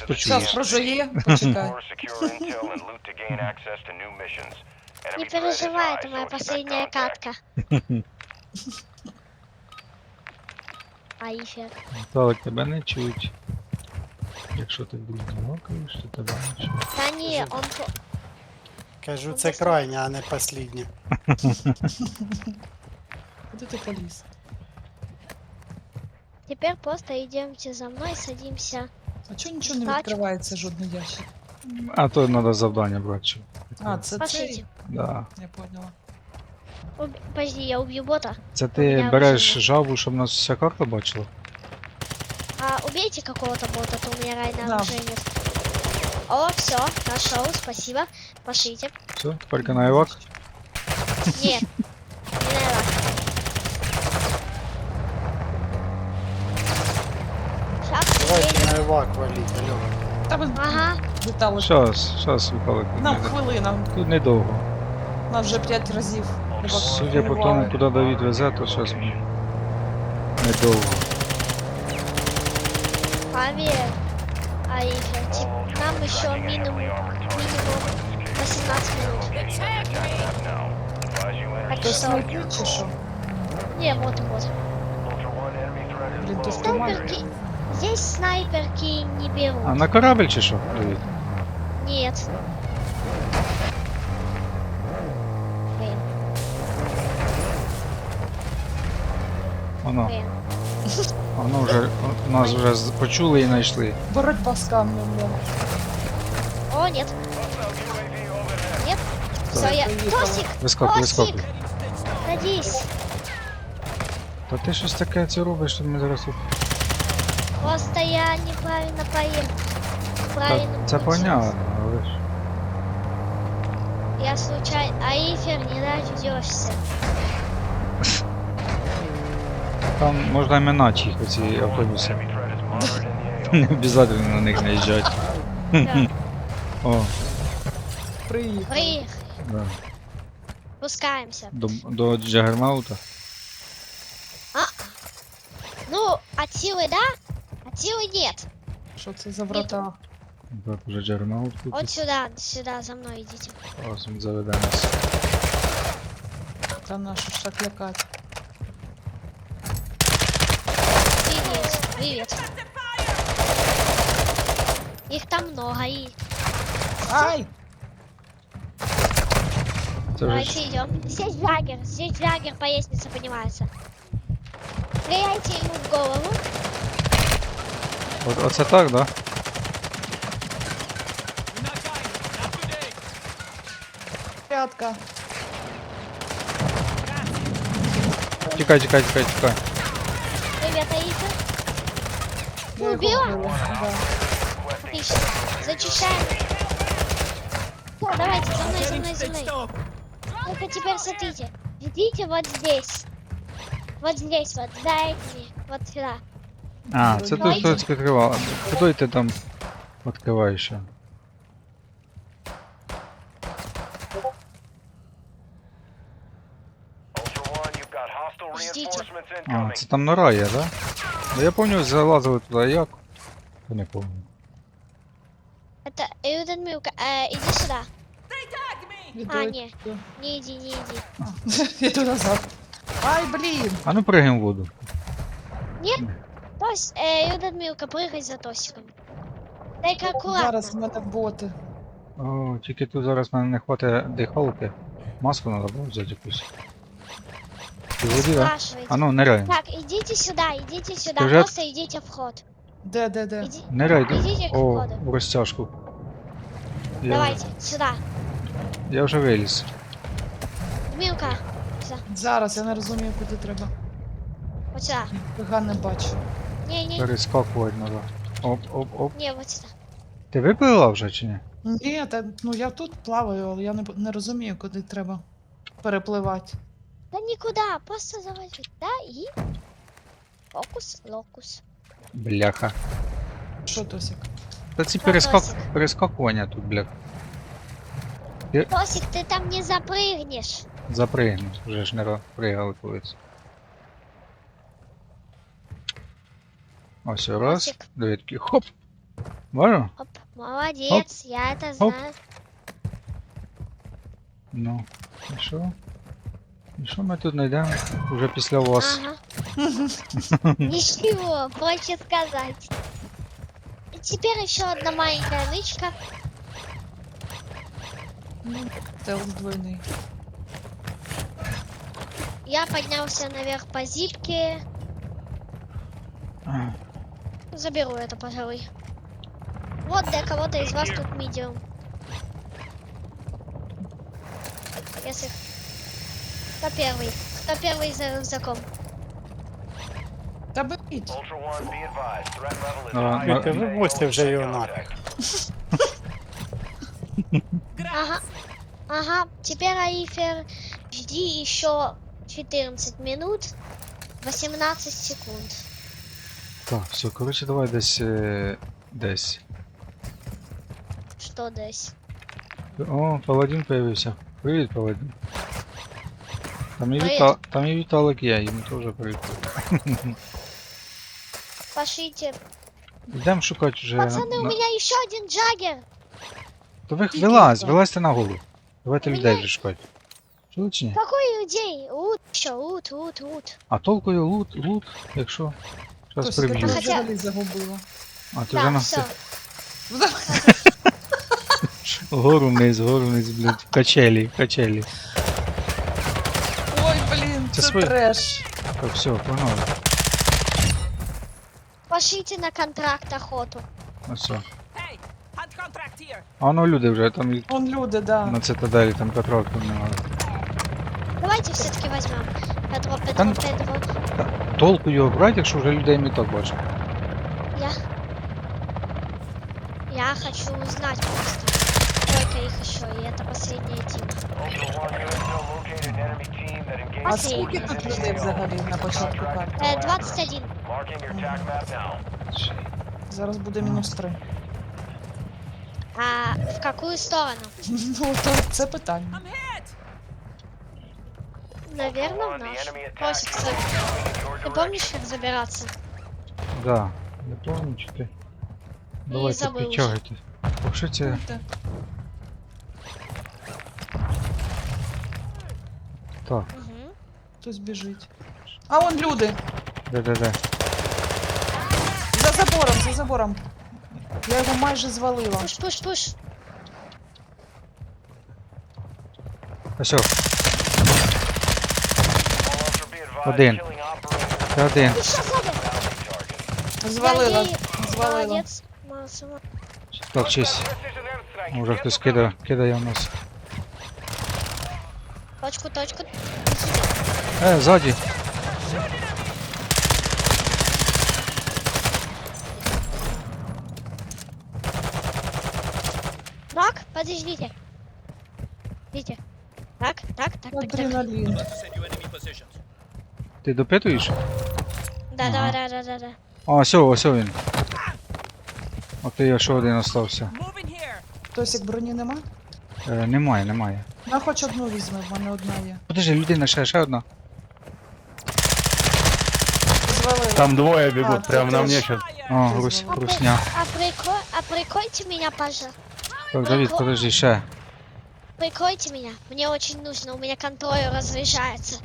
почуєш. Зараз прожує, почекай. Не переживай, это моя последняя катка. Аифер. Так, тебе не чуть. Якщо ти вдруг гавкаєш, то тебе не чуть. Да не, он... Кажу, це крайня, а не послідня. Куди ти поліз? Теперь просто идемте за мной, садимся. А чого нічого не Так. відкривається, жодний ящик? А то треба завдання брати. щоб А, це Пошлите. цей? Да. Я поняла. Подожди, я убью бота. Це У ти мене береш вже є. жабу, щоб нас вся карта бачила? А убейте какого-то бота, то у меня реально Да. оружия нет. О, все, нашел, спасибо. Пошлите. Все, тепер на івак. Нет, не надо. Сейчас Давайте на івак валіть, алло. Та ви Ага, літали. Щас, Віталик. Нам хвилина. Тут недовго. Нас вже 5 разів. Судя по тому, куди Давід везе, то щас недовго. поверь. Аифер, нам еще минимум 18 минут. Так То что, снайпи чи що? не, вот. Блін, то знімає. Снайперки, здесь снайперки не берут. А на корабль чи що, Давід? Нет. Блин, Воно, блин. воно вже, нас вже почули і знайшли. Боротьба з камнем, блін. О, нет. Нет. Все, я... Тосик! Вискакуй, вискакуй. Тосик! Садись. Та ти щось таке це робиш, що ми зараз тут... Просто я неправильно поем. Та, Правильно. це понятно, але ж... Я случайно... Аифер, не дождешься. Там можна минати їх, оці автобуси. Не обов'язково на них наїжджати. Да. О, Приїхали. Приехали. да. Спускаемся. До Джаггернаута. Ну, от силы да, от силы нет. Що це за врата? Так, уже Джаггернаут тут. Вот сюда, за мной идите. Ось він заведе нас. Та нашу ж так лякати. Привет. Их там много и... Ай! Це вже Давайте ж... идем. Здесь Джаггер по лестнице поднимается. Стреляйте ему в голову. Оце так, да? П'ятка. Тікай. Привет, Аифер. Я його Убила? вбила, да. Отлично. Зачищаем. Всё, давайте, за мной. Только теперь смотрите. Идите вот здесь. Вот здесь, вот, за этими. Вот сюда. А, це той, хто відкривав. Хто ти там відкриваєш ще? Ждите. А, це там нора є, да? Ну я пам'ятаю, залазили туди як? Я не пам'ятаю. Это Людмилка, иди сюда. Іду, А, іду. не иди. Іду назад. Ай, блін! А ну прыгаємо в воду. Людмилка, прыгай за Тосиком. Дай-ка аккуратно. Зараз в мене боти. О, тільки тут зараз мене не хватить дихалки. Маску треба було взяти якусь. Ти в воді, да? Спрашивайте. А ну, ниряй. Так, идите сюда, Ты уже- просто идите в ход. Де? Иди- Ниряй, Идите к О, входу. в розтяжку. Давайте, сюда. Я вже виліз. Милка, Зараз, я не розумію, куди треба. вот сюда. Фига не бачу. Не, Перескакувати треба. Оп. не, вот сюда. Ти випила вже чи ні? Ні, та, ну я тут плаваю, але я не розумію, куди треба перепливати. Да никуда, просто заводи. Да, и... Фокус, локус. Бляха. Що, Тосік? Та ці Вопросик. перескакування тут, бляха. Тосик, ты там не запрыгнешь. Запригну, вже ж не пригали колись. Ось раз, Тосик. дві такі, хоп, Бачу? Оп, молодец, я это знаю. Ну, і що? І що ми тут знайдемо? Уже після вас. Ага. Ничего, проще сказать. И теперь еще одна маленькая нычка. Ну, стелс двойний. Я поднялся наверх по зипке. А, Заберу это, пожалуй. Вот для кого-то из вас тут медиум. Если... Кто первый? Кто первый за рюкзаком? Та беріть. Ultra One, be advised. Threat level is Давай, high. давай. Ти вивозьте вже його нафіг. Ага. Ага. Теперь, Аифер, жди еще 14 минут, 18 секунд. так, все, коротше, давай десь. Что десь? О, паладин появився. Привіт, паладин. Привіт. Там і Віталик є, йому теж привіт. Пошлите. Йдемо шукати вже. Пацаны, у меня еще один джаггер. То ви Тільки вилазь, так. вилазьте на голову. Давайте У людей мене- вже шукати. Чули чи ні? Какой людей? Лут еще, лут. А толкою лут, якщо. Зараз Хтось я приб'ю. тебе Хотя- взагалі загубила. А ти вже Да, на все. Гору вниз, блядь. Качелі. Ой, блін, Це це своє. треш. Так, все, погнали. Пошлите на контракт охоту. Ось все. Hey, hunt contract here. А воно люди вже там і Вон люди, да. на цитаделі, там контракту немає. Давайте все-таки возьмем. Петро. Кон- Толку його брати, якщо вже людей міток бачиш. Я хочу узнать просто. Сколько их еще, и это последняя тима. Ultra One, you have still located an enemy team that engaged А Последній. скільки тут людей взагалі на початку карти? 21. Marking your attack map now. Зараз буде мінус 3. А в какую сторону? Ну, то це питання. I'm hit. Наверное, в Ultra One, the наш. enemy attack Просится. is moving in your Ты direction. помнишь, как забираться? Да, не помню, чи ти. Давайте забув вже. підтягуйте. Якщо це. Так, Угу. Хтось біжить. А вон люди! де. За забором. Я його майже звалила. Пуш. Ось о, Ultra, be advised, Один. killing operators це один. Ты что сзади? target. Звалила. Я ей- Звалила. Молодец. Молодцы. Так, честь. Precision airstrike. Може хтось кидає в нас. Точку. Ззаді. Так, подождите. Видите? Так. Адреналін. Ти допитуєш? Да. А, ось він. От я ще один остався. Moving here. Хтось як броні нема? Немає. На хоч одну візьме, в мене одна є. Подожди, людина ще одна. Звалила. Там двое А, бегут, ты прямо на мне тоже. сейчас. О, грусня. Прикройте меня, пожалуйста. Так, Давид, подожди, ще. Прикройте меня. Мне очень нужно, у меня контроль разряжается.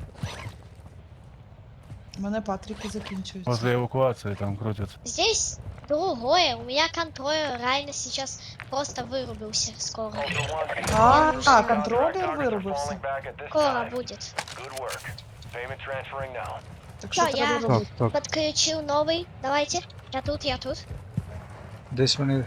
У мене патрики закінчуються. Возле эвакуации там крутятся. Здесь другое. У меня контроль реально сейчас просто вырубился скоро. Ultra One, be А, advised, контролер targets are вирубився. falling back at this Скоро time. будет. Good work. Payment transferring now. Так що Що, треба я- робити? Так. Подключил новый. Давайте. Я тут. Десь вони.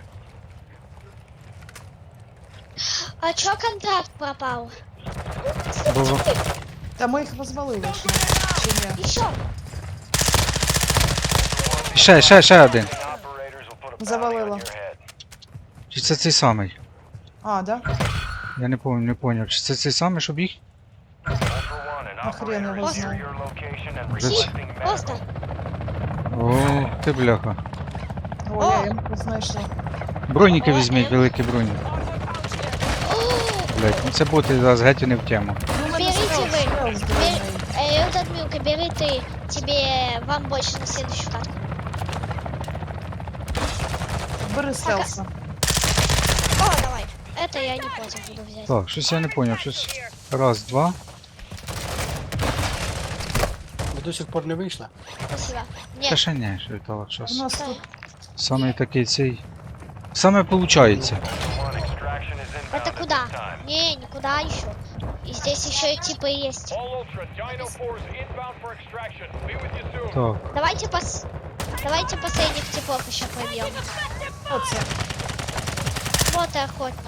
А чё контракт пропал? Було. Та ми їх розвалили ще. Чи ні? Еще. Ще один. The operators will put a bounty Завалило. on your head. Чи це цей самий? А, да? Я не поняв. Чи це цей самий, щоб їх? Ultra One, an А хрен operator його is near знає. your location and Десь. requesting Просто. medical. О, ти бляха. О, я їм знайшла. Броніки О, візьміть, великі броні. Блять, ну це бути зараз геть не в тему. Ну, у мене Берите стелс, ви. стелс двойний. Этот Милка, бери ты. Тебе, вам больше на следующую катку. Бери стелса. О, давай. Это я не против буду взять. Так, щось я не поняв, щось. Раз, два. Ви до сих пор не вийшли? Спасибо. Та Нет, ще ні, що Віталик, У щось. нас тут Саме такий цей. Саме получається. Ultra One, extraction is inbound это at куда? this time. Не, никуда еще. И здесь еще и типы есть. All Ultra, Dino 4 is inbound for extraction. Be with you soon. Так, Давайте последних типов еще пробьем. оце. Вот и охотники.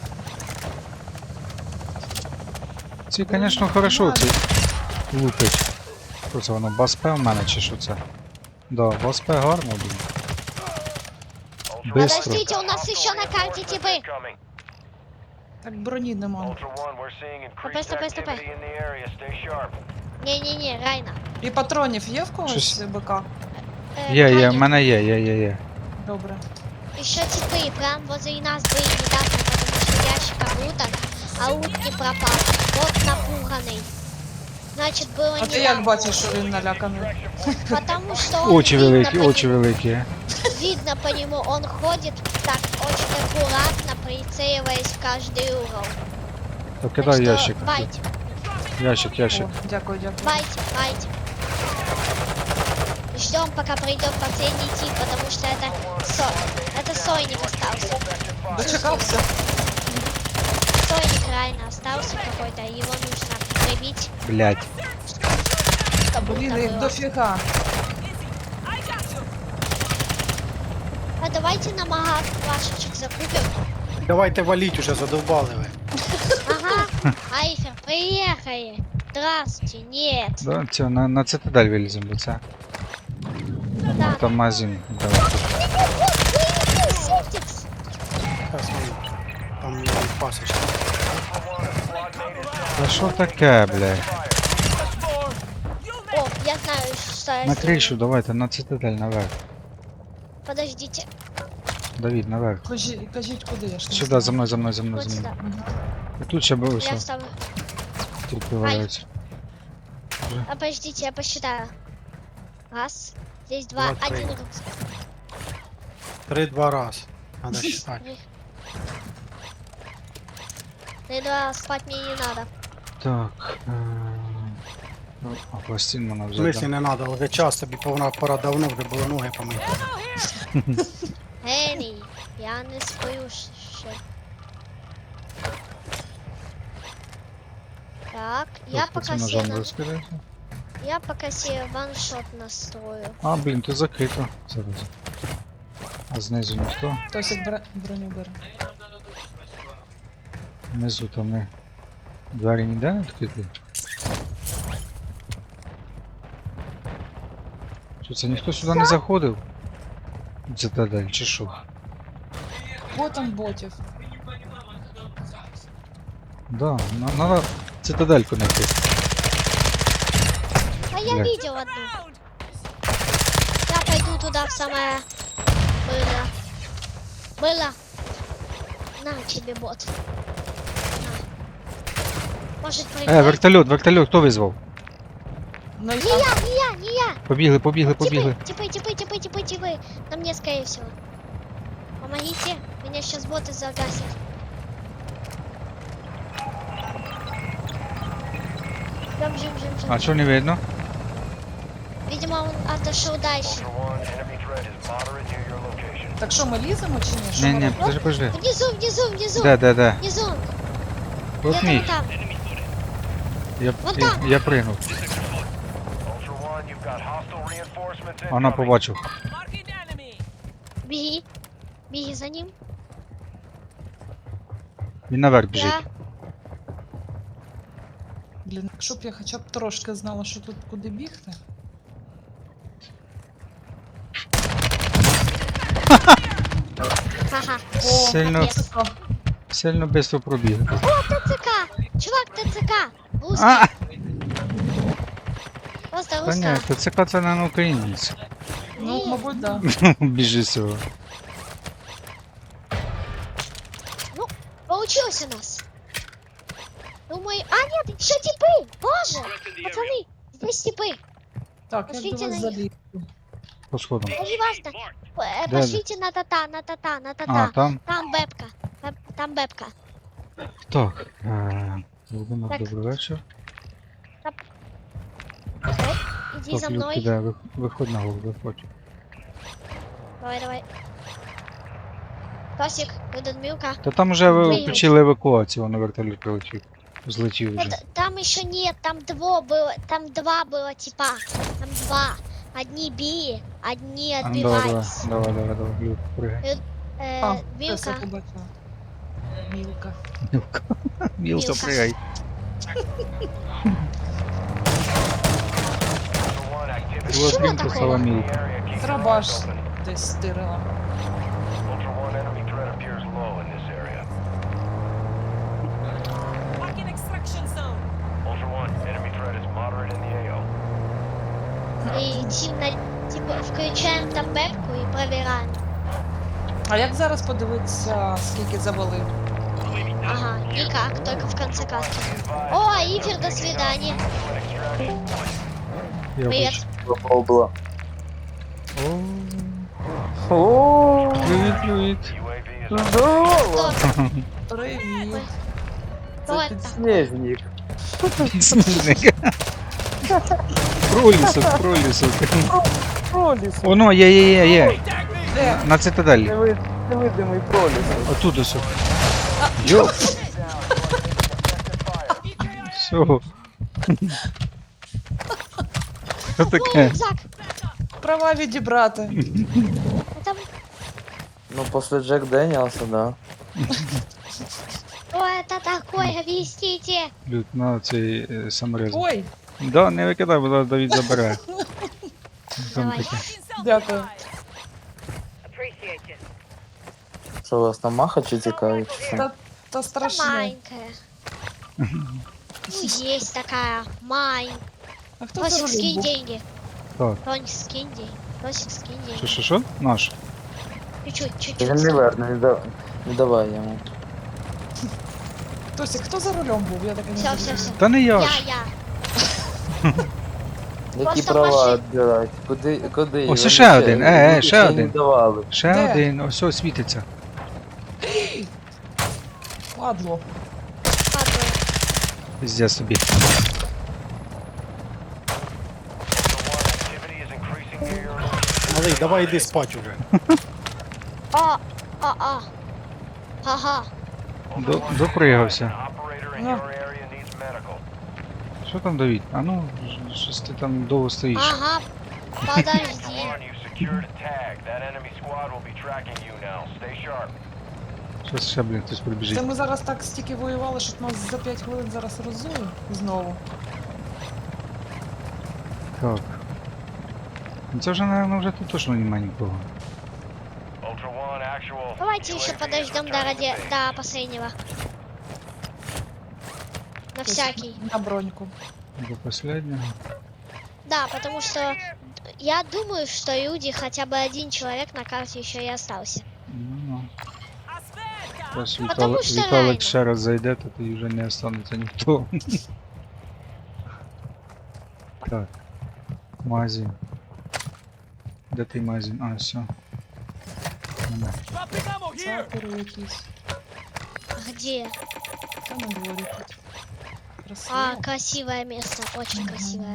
ці, звісно, хорошо, ці лупить. Що це воно, Баспе в мене чи що це? Да, Баспе гарно, блін. Ultra Быстро. Подождите, у нас еще на карте типы. incoming. Так броні нема. Ultra One, we're seeing increased Стопэ. activity in the area. Stay sharp. Не-не-не, Райна. І патронів є в когось Щось- БК? Є, в Райна, мене є. Добре. еще типы прям возле нас были недавно, потому что ящик уток, а утки пропал. Вот напуганный. Значит, было А ти як недавно. бачиш, що він наляканий? Потому что он Очі видно великі, по очі великі. видно по нему, он ходит так очень аккуратно, прицеливаясь в каждый угол. То Так кидай что ящик. Байте, Ящик. О, дякую, дякую. байте. Ждем, пока придет последний тип, потому что это сойник остался. Дочекався. Сойник реально остался какой-то, его нужно прибить, Блять. чтобы Блін, это їх было. дофіга. А давайте на магаз вашечек закупим. Давайте валіть уже, задовбали ви. Ага, Айфер, приехали. Здравствуйте, нет. Да, це, на цитадель виліземо, бо це. Да. Там магазин. Давай. Септикс. Зараз ми там є пасочка. Та що таке, блядь? О, я знаю, что я На сделаю. кришу, давайте, на цитадель наверх. Подождите, Давід, наверх. Кажіть, куди я ж не Сюди, знаю. за мною. вот сюда. І тут ще було Я все. вставлю. Тут виваляється. А подождите, я посчитаю. Раз, здесь два, Два, три. один рюкзак. 3-2 раз. Надо считать. Ты два спать мне не надо. Так. Ну, а пластин можна В смислі взяти. не треба, вже час тобі пора давно вже було ноги помити. Гений, я не сплю ще. Так, я Тобто пока це ножом себе, розкидається. я пока себе ваншот настрою. А, блін, тут закрито. Зараз. А знизу ніхто. Хтось як броню бере. Внизу там не. Двері ніде не відкриті. Що це ніхто сюди не заходив? Цитадель, чи що? Ботом ботів. Да, надо цитадельку знайти. А я Блядь. видел одну. Я пойду туда в самое было. Было. На тебе бот. На. Может прыгать? Вертольот, хто визвав? Ну, Не я... я, не я, не я. Побігли. Типы. На мне, скорее всего. Помогите, меня сейчас боты загасят. Ждем. А що не видно? Видимо, он отошел дальше. Ultra One, enemy threat is moderate near your location. Так що, ми ліземо чи ні? Що ми Ні, робимо? подожди. Внизу. Де? Внизу. От Я мій. там. Я Вон там. пригнув. Ultra One, you've got hostile reinforcements Вона incoming. побачив. Marking enemy. Беги за ним. Він наверх біжить. Я. Блін, якщо б я хоча б трошки знала, що тут куди бігти. Ага. Сильно, капец. сильно швидко пробіг. ТЦК. Чувак, ТЦК. Русский. А! Просто Та ні, русская. ТЦК це не українець. Ну, Ні. мабуть, да. Біжи сього. Получилось у нас. Думаю, а нет, еще типы. Боже, пацаны, здесь типы. Так, як до Пошліть вас на них. залізти? По сходам. Это не важно. Де? Пошлите на тата, на тата, на А, тата. там? Там бэбка. Там бэбка. Так. Володимир, Так. добрий вечір. Иди Так, за Люк, мной. іде, виходь на голову, виходь. Давай. Тосик, выдан Милка. Та там вже ви Виїдь. включили евакуацію, на вертоліт прилетів. Злетів вже. Там еще нет, там два было типа. Там два. Одни били, одни А, ну, давай, отбивались. давай, Люк, пригай. А, Милка. все побачила. Мілка. Мілка, Мілка. пригай. Ultra One, activity Що От він такого? писала in the Мілка. area. Keep your Трабаш eyes open. десь стирила. Ultra One, enemy threat appears low in this area. Marking extraction zone. Ultra One, enemy threat is moderate in the AO. И типа включаем там бэбку и проверяем. А як зараз подивитися, скільки завалив? Ага, никак, только в конце катки. О, Ифер, до свидания. Я Привет. бачу. О, привіт. UAV is Кто? Привіт. Кто это? Снежник. Підсніжник. Пролісок. Проліс. Оно, є. Де? На цитаделі. Невидимий проліс. Отут ось. Йо. Все. Що Ой, таке? рюкзак. Права відібрати. Это... Ну, после Джек Дэниелса, да. Что это такое? Объясните. Люд, на цей саморез. Ой, Да, не викидай, бо зараз Давід забере. Там Давай. таке. дякую. Що у вас там махачі тікають? чи що? Та Это страшно. маленькая. Ну, есть такая. Маленькая. А хто це Тосик, скинь робив? деньги. Так. Тонь, скинь деньги. Тосик, скинь деньги. Що? Наш. Чуть-чуть. Він не верне, не давай йому. Тосик, хто за рулем був? Я так і не Все. зрозуміла. Та не я Я. ж. Які Просто права машин- відбирати? Куди? Ось Вони ще один, люди ще не один. давали. Ще Де? один, ось ось світиться. Падло. Падаю. Пиздец собі. Ultra One, activity is increasing near your location. Малий, давай йди спать уже. А. Ага. Допригався. Operator in Ну. your area needs medical. Що там Давід? А ну, щось ти там довго стоїш. Ага. Подожди. Ultra One, you secured a tag. That enemy squad will be tracking you now. Stay sharp. Щось ще, блін, хтось прибіжить. Це ми зараз так стільки воювали, що нас за 5 хвилин зараз розує знову. Так. Ну це вже, наверное, вже тут точно немає нікого. Ultra One, actual. Давайте еще UAV is подождем до, returning to base. до последнего. На всякий. На броньку. До последнього. Да, потому что я думаю, что люди, хотя бы один человек на карте еще и остался. Ну, Aspetta. зараз Потому що реально. Віталик ще раз зайде, то тоді вже не останеться ніхто. Так. Магазин. Де той магазин? А, все. Нема. Dropping ammo here. Сапери якісь. Где? Та на дворі тут. Красиво. А, красивое место, очень красивое.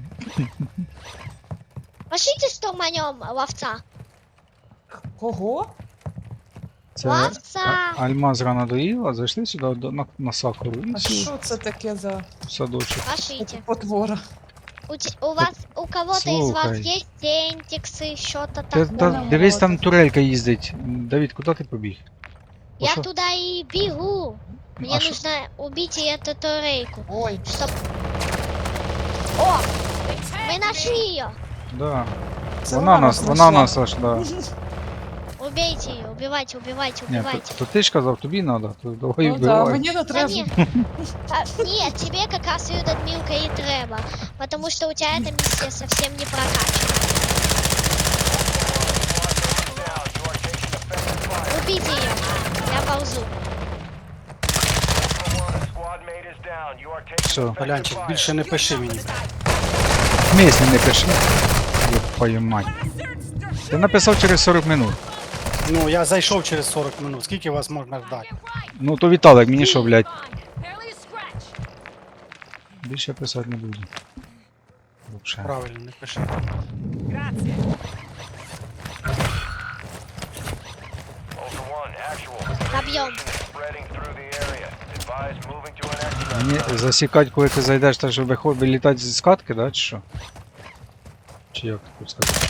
Пошлите штурманем ловца. Кого? Це Ловца! Альмаз рано доїла, зайшли сюди на сакуру і А всі що це таке за в садочок. Пошлите. потвора? У вас, у кого-то из вас Слухай. есть тентиксы, что-то Та такое? дивись, там турелька їздить. Давід, куди ти побіг? Я Пошел. туда и бегу. Мне А шо- нужно убить и эту турельку. Ой, Чтоб... О! Мы нашли ее! Да. це Вона знайшла. нас аж, да. Убейте ее, убивайте, убивайте, Ні, убивайте. то ти ж казав, тобі треба, то давай Ну да, вбивай. мені не Да треба. нет. Нет, тебе как раз ее Милка и треба. Потому что у тебя эта миссия совсем не прокачана. Убейте ее. Я ползу. Squad mate is down. You are taking Все. effective Полянчик, fire. більше не пиши мені. Місні не пиши. Ёб твою мать. Bastards, they're Ти написав через 40 минут. Ну, я зайшов через 40 минут. Скільки вас можна ждати? Ну то Віталик, мені що, блядь, Barely a scratch. більше писати не буду. Вообще. Правильно, не пиши. Grazie. Ultra One, actual. Добьем. Spreading through the area. Advise moving to an extract. Мені засікать, коли ти зайдеш, так щоб вилітати з катки, да, чи що? Чи як тут сказати?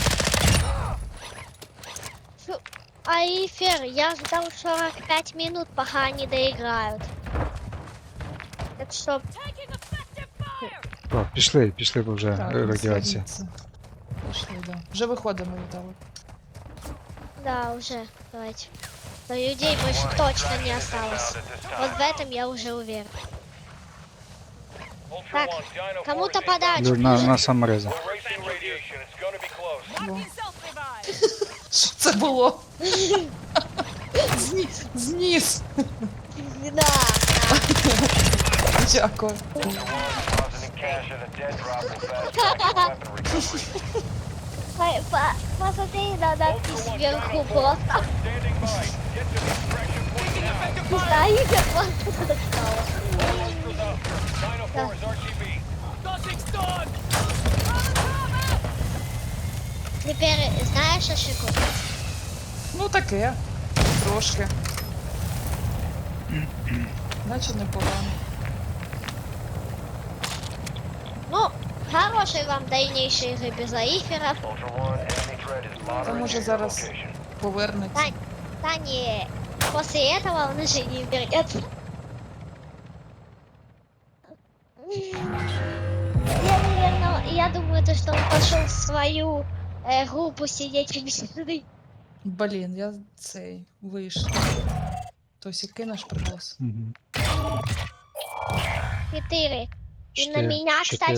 Айфер, я ждал 45 минут, пока они доиграют. Так что, Taking effective fire. Так, пішли, бо вже Так, радіація. звідси. Пішли, да. Вже виходимо, Віталик. да, уже, давайте. Но людей больше точно не осталось. Вот в этом я уже уверен. Так, кому-то подарочек. Люд, на самореза. Racing radiation. It's gonna be close. Marking self-revive. Що це було? Зніс. Да. Дякую. Depositing cash at a dead drop will fast track weapon recovery. Посмотри на надпись сверху просто. Standing by. Get to the extraction point now. Стоит и просто достала. Ultra's up. 904 is RTB. Nothing's done. Теперь знаешь ошибку? Ну таке. Трошки. Наче непогано. Ну, хорошей вам дальнейшей игры без аиферов. Ultra One, enemy threat is Та monitoring може your зараз location. повернеться. Да не, после этого он уже не вернется. Я думаю, то, что он пошел в свою группу сидеть в беседы. Блін, я цей вийшов. Тосі кинеш приглас. Мгм. 4. И на Четыре. меня, кстати,